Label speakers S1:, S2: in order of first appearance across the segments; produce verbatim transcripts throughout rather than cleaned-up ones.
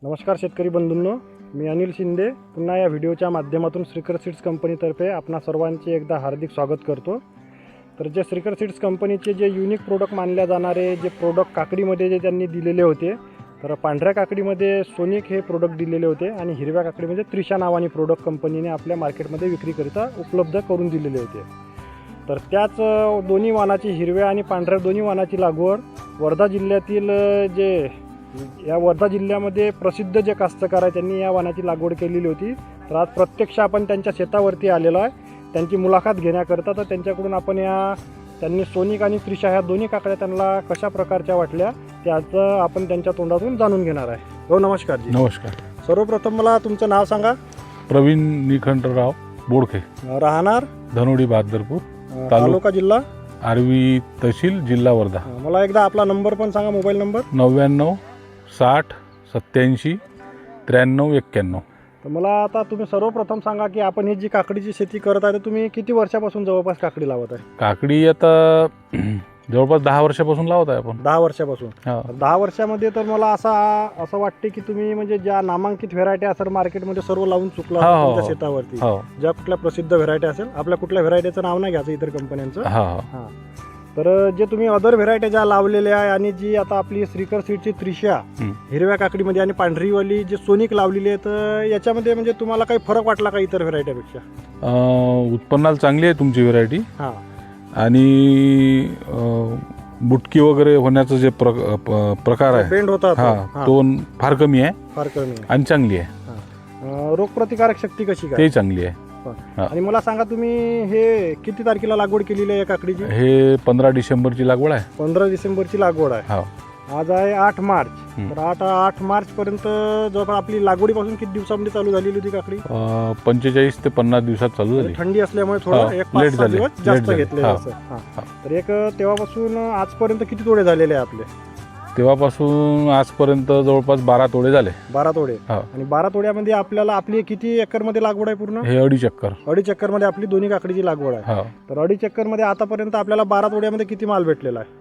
S1: नमस्कार शेतकरी बंधूंनो, मी अनिल शिंदे पुन्हा या व्हिडिओच्या माध्यमातून श्रीकर सीड्स कंपनीतर्फे आपणा सर्वांचे एकदा हार्दिक स्वागत करतो। तर जे श्रीकर सीड्स कंपनीचे जे युनिक प्रोडक्ट मानल्या जाणारे जे प्रोडक्ट काकडीमध्ये जे त्यांनी दिलेले होते, तर पांढऱ्या काकडीमध्ये सोनिक हे प्रोडक्ट दिलेले होते आणि हिरव्या काकडीमध्ये त्रिशा नावाने प्रोडक्ट कंपनीने आपल्या मार्केटमध्ये विक्रीकरिता उपलब्ध करून दिलेले होते। तर त्याच दोन्ही वाणाची हिरव्या आणि पांढऱ्या दोन्ही वाणाची लागवड वर्धा जिल्ह्यातील जे या वर्धा जिल्ह्यामध्ये प्रसिद्ध जे कास्तकार आहे त्यांनी या वाणाची लागवड केलेली होती। तर आज प्रत्यक्ष आपण त्यांच्या शेतावरती आलेलो आहे त्यांची मुलाखत घेण्याकरता। तर त्यांच्याकडून आपण या त्यांनी सोनिक आणि त्रिशा ह्या दोन्ही काकड्या त्यांना कशा प्रकारच्या वाटल्या त्याचं आपण त्यांच्या तोंडातून जाणून घेणार आहे। हो, नमस्कार जी।
S2: नमस्कार।
S1: सर्वप्रथम मला तुमचं नाव सांगा।
S2: प्रवीण निखंडराव बोडखे,
S1: राहणार
S2: धनोडी बहादरपूर,
S1: तालुका जिल्हा
S2: आर्वी तहसील, जिल्हा वर्धा।
S1: मला एकदा आपला नंबर पण सांगा, मोबाईल नंबर।
S2: नव्याण्णव साठ सत्याऐंशी त्र्याण्णव एक्क्याण्णव।
S1: तर मला आता तुम्ही सर्वप्रथम सांगा की आपण ही जी काकडीची शेती करत आहे तर तुम्ही किती वर्षापासून जवळपास काकडी लावत आहे?
S2: काकडी आता जवळपास दहा वर्षापासून लावत आहे आपण।
S1: दहा वर्षापासून
S2: हा।
S1: दहा वर्षामध्ये तर मला असा असं वाटते की तुम्ही म्हणजे ज्या नामांकित व्हेरायटी असेल मार्केटमध्ये सर्व लावून चुकला
S2: हा, हा,
S1: तुमच्या
S2: हा.
S1: शेतावरती,
S2: हो
S1: ज्या कुठल्या प्रसिद्ध व्हेरायटी असेल, आपल्या कुठल्या व्हेरायटीचं नाव नाही घ्यायचं इतर कंपन्यांचं।
S2: हा हा
S1: हां, तर जे तुम्ही अदर व्हेरायटी ज्या लावलेल्या आहे आणि जी आता आपली श्रीकर सीडची त्रिशा
S2: हं.
S1: हिरव्या काकडीमध्ये आणि पांढरीवाली जी सोनिक लावलेली आहे, तर याच्यामध्ये म्हणजे तुम्हाला काही फरक वाटला का इतर व्हेरायटीपेक्षा?
S2: अं, उत्पन्नाला चांगली आहे तुमची व्हेरायटी
S1: हां,
S2: आणि अं, बुटकी वगैरे होण्याचं जे प्र प- प्रकार आहे
S1: बेंड होता
S2: हा
S1: हां,
S2: तो फार कमी आहे
S1: फार कमी आहे।
S2: आणि चांगली आहे,
S1: अं, रोगप्रतिकारक शक्ती कशी काय?
S2: ते चांगली आहे। हा.
S1: आणि मला सांगा तुम्ही हे किती तारखेला लागवड केलेली आहे या काकडीची?
S2: हे पंधरा डिसेंबरची लागवड आहे।
S1: पंधरा डिसेंबरची लागवड आहे।
S2: हो,
S1: आज आहे आठ मार्च।
S2: हं.
S1: तर आठ आठ मार्च पर्यंत जवळपास आपली लागवडीपासून किती दिवसामध्ये चालू झालेली होती काकडी?
S2: अं, पंचेचाळीस ते पन्नास दिवसात चालू झाली।
S1: थंडी असल्यामुळे थोडं
S2: हो,
S1: एक पाच
S2: late
S1: सहा
S2: झाले,
S1: दिवस
S2: late
S1: जास्त
S2: झाले.
S1: घेतले
S2: हा.
S1: असं. हां.
S2: हा.
S1: तर एक तेव्हापासून आजपर्यंत किती तोडे झालेले आहे आपले?
S2: तेव्हापासून आजपर्यंत जवळपास बारा तोडे झाले।
S1: बारा तोडे।
S2: हो.
S1: आणि बारा तोड्यामध्ये आपल्याला आपली किती एकरमध्ये लागवड आहे पूर्ण?
S2: हे अडीच चक्कर।
S1: अडीच एकरमध्ये आपली दोन्ही काकडीची लागवड आहे।
S2: हो,
S1: तर अडीच एकरमध्ये आतापर्यंत आपल्याला बारा तोड्यामध्ये किती माल भेटलेला आहे?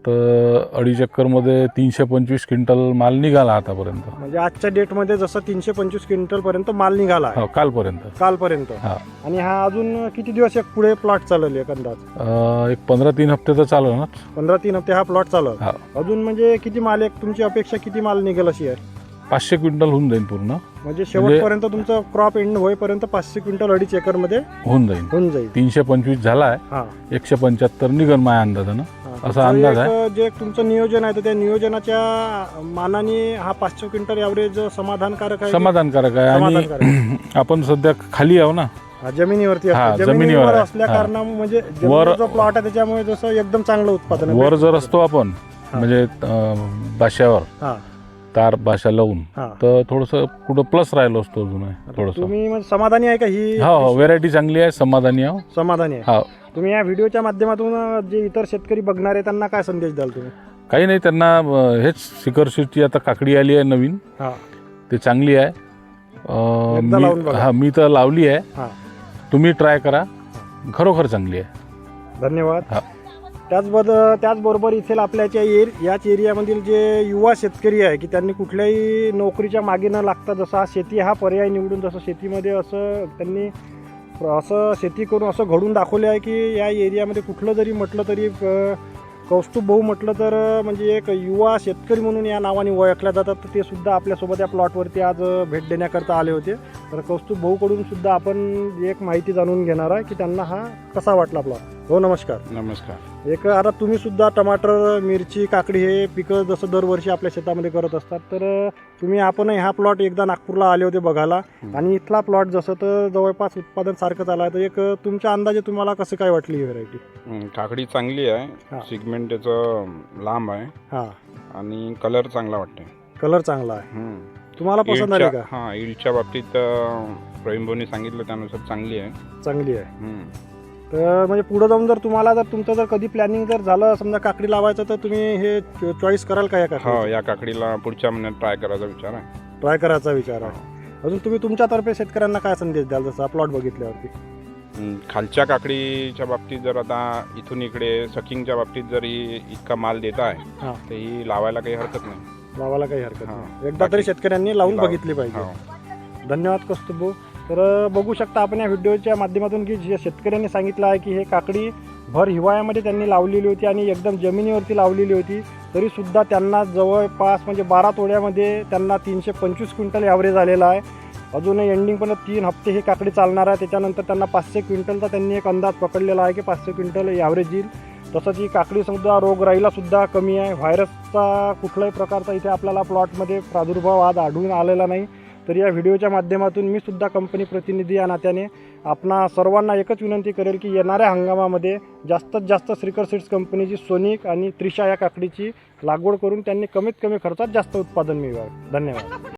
S2: तर अडीच चक्करमध्ये तीनशे पंचवीस क्विंटल माल निघाला आतापर्यंत।
S1: म्हणजे आजच्या डेटमध्ये जसं तीनशे पंचवीस क्विंटल पर्यंत माल निघाला आहे
S2: हो, कालपर्यंत।
S1: कालपर्यंत।
S2: हा.
S1: आणि हा अजून किती दिवस एक पुढे प्लॉट चालेल एक अंदाज?
S2: अं, एक पंधरा तीन हप्ते तर चालू ना।
S1: पंधरा तीन हप्ते हा प्लॉट चालल।
S2: हा.
S1: अजून म्हणजे किती माल, एक तुमची अपेक्षा किती माल निघेल अशी आहे?
S2: पाचशे क्विंटल होऊन जाईल पूर्ण,
S1: म्हणजे शेवटपर्यंत तुमचं क्रॉप एंड होईपर्यंत पाचशे क्विंटल अडीच एकर मध्ये
S2: होऊन जाईल।
S1: होऊन जाईल।
S2: तीनशे पंचवीस झाला आहे,
S1: हा,
S2: एकशे पंच्याहत्तर निघन माझ्या अंदाजानं,
S1: हा.
S2: असा
S1: तर
S2: अंदाज
S1: एक
S2: आहे।
S1: जे तुमचं नियोजन आहे तर त्या नियोजनाच्या मानाने हा पाचशे क्विंटल ॲव्हरेज समाधानकारक आहे?
S2: समाधानकारक आहे।
S1: समाधानकारक
S2: आणि आपण सध्या खाली आहो ना।
S1: हा, जमिनीवरती
S2: हा,
S1: असतो.
S2: जमिनीवर
S1: जमिनीवर
S2: आहे.
S1: असल्या
S2: हा.
S1: कारणामुळे म्हणजे
S2: वर-
S1: जमिनीवर जो प्लॉट आहे त्याच्यामुळे जसं एकदम चांगलं उत्पादन आहे.
S2: वर जर असतो आपण
S1: हा.
S2: म्हणजे अं, बाशावर
S1: हा,
S2: तार बाशा लावून,
S1: हा.
S2: तर थोडंसं कुठं प्लस राहिलो असतो अजून थोडंसं।
S1: तुम्ही म्हणजे समाधानी आहे का ही?
S2: हो हो, व्हेरायटी चांगली आहे, समाधानी आहो।
S1: समाधानी आहे।
S2: हो,
S1: तुम्ही या व्हिडिओच्या माध्यमातून जे इतर शेतकरी बघणार आहे त्यांना काय संदेश द्याल तुम्ही?
S2: काही नाही, त्यांना अं, हेच श्रीकर सीडची आता काकडी आली आहे नवीन,
S1: हा,
S2: ते चांगली आहे। अं,
S1: एकदा लावून
S2: मी
S1: बघा.
S2: हा मी तर लावली आहे,
S1: हा.
S2: तुम्ही ट्राय करा, खरोखर चांगली आहे।
S1: धन्यवाद।
S2: हा.
S1: त्याचबद त्याचबरोबर इथे आपल्याच्या एर याच एरियामधील जे युवा शेतकरी आहे की त्यांनी कुठल्याही नोकरीच्या मागे न लागता जसं हा शेती हा पर्याय निवडून जसं शेतीमध्ये असं त्यांनी असं शेती करून असं घडून दाखवले आहे की या एरियामध्ये कुठलं जरी म्हटलं तरी अ, कौस्तुभ भाऊ म्हटलं तर म्हणजे एक युवा शेतकरी म्हणून या नावाने ओळखल्या जातात। तर ते सुद्धा आपल्यासोबत या प्लॉटवरती आज भेट देण्याकरता आले होते। तर कौस्तुभ भाऊकडून सुद्धा आपण एक माहिती जाणून घेणार आहे की त्यांना हा कसा वाटला प्लॉट। हो, नमस्कार।
S3: नमस्कार।
S1: एक आता तुम्ही सुद्धा टमाटर, मिरची, काकडी हे पिकं जसं दरवर्षी आपल्या शेतामध्ये करत असतात, तर तुम्ही आपणही हा प्लॉट एकदा नागपूरला आले होते बघायला आणि इथला प्लॉट जसं तर जवळपास उत्पादन सारखं झालं आहे, तर एक तुमच्या अंदाजे तुम्हाला कसं काय वाटली ही व्हेरायटी?
S3: हं, काकडी चांगली आहे,
S1: हा.
S3: सिगमेंट त्याचं लांब आहे
S1: हां,
S3: आणि कलर चांगला वाटते।
S1: कलर चांगला आहे।
S3: हं.
S1: तुम्हाला पसंत आली
S3: ईल्डच्या-
S1: का?
S3: हां, ईल्डच्या बाबतीत अं, प्रवीण भाऊनी सांगितलं त्यानुसार चांगली आहे।
S1: चांगली आहे।
S3: हं.
S1: तर म्हणजे पुढं जाऊन जर तुम्हाला जर तुमचं जर कधी प्लॅनिंग जर झालं समजा काकडी लावायचं, तर तुम्ही हे चॉईस कराल का या
S3: हो,
S1: काकडी?
S3: या काकडीला पुढच्या महिन्यात ट्राय करायचा विचार आहे।
S1: ट्राय करायचा विचार आहे। अजून तुम्ही तुमच्यातर्फे शेतकऱ्यांना काय संदेश द्याल जसं प्लॉट बघितल्यावरती?
S3: हं, खालच्या काकडीच्या बाबतीत जर आता इथून इकडे सकिंगच्या बाबतीत जर ही इतका माल देत आहे
S1: हां,
S3: तर ही लावायला काही हरकत नाही।
S1: लावायला काही हरकत
S3: हा.
S1: नाही. एकदा तरी शेतकऱ्यांनी लावून
S3: लाव-
S1: बघितली पाहिजे.
S3: हो.
S1: धन्यवाद कौस्तुभ. तर बघू शकता आपण या व्हिडिओच्या माध्यमातून की जे शेतकऱ्यांनी सांगितलं आहे की हे काकडी भर हिवाळ्यामध्ये त्यांनी लावलेली होती आणि एकदम जमिनीवरती लावलेली होती, तरीसुद्धा त्यांना जवळपास म्हणजे बारा तोड्यामध्ये त्यांना तीनशे पंचवीस क्विंटल ॲव्हरेज आलेला आहे. अजूनही एंडिंगपर्यंत तीन हप्ते ही काकडी चालणार आहे. त्याच्यानंतर त्यांना पाचशे क्विंटलचा त्यांनी एक अंदाज पकडलेला आहे की पाचशे क्विंटल ॲव्हरेज येईल. तसंच ही काकडीसुद्धा रोगराईलासुद्धा कमी आहे. व्हायरसचा कुठल्याही प्रकारचा इथे आपल्याला प्लॉटमध्ये प्रादुर्भाव आज आढळून आलेला नाही. तर या व्हिडिओच्या माध्यमातून मी सुद्धा कंपनी प्रतिनिधी या नात्याने आपणा सर्वांना एकच विनंती करेल की येणाऱ्या हंगामामध्ये जास्तीत जास्त श्रीकर सीड्स कंपनीची सोनिक आणि त्रिशा या काकडीची लागवड करून त्यांनी कमीत कमी खर्चात जास्त उत्पादन मिळवावे. धन्यवाद.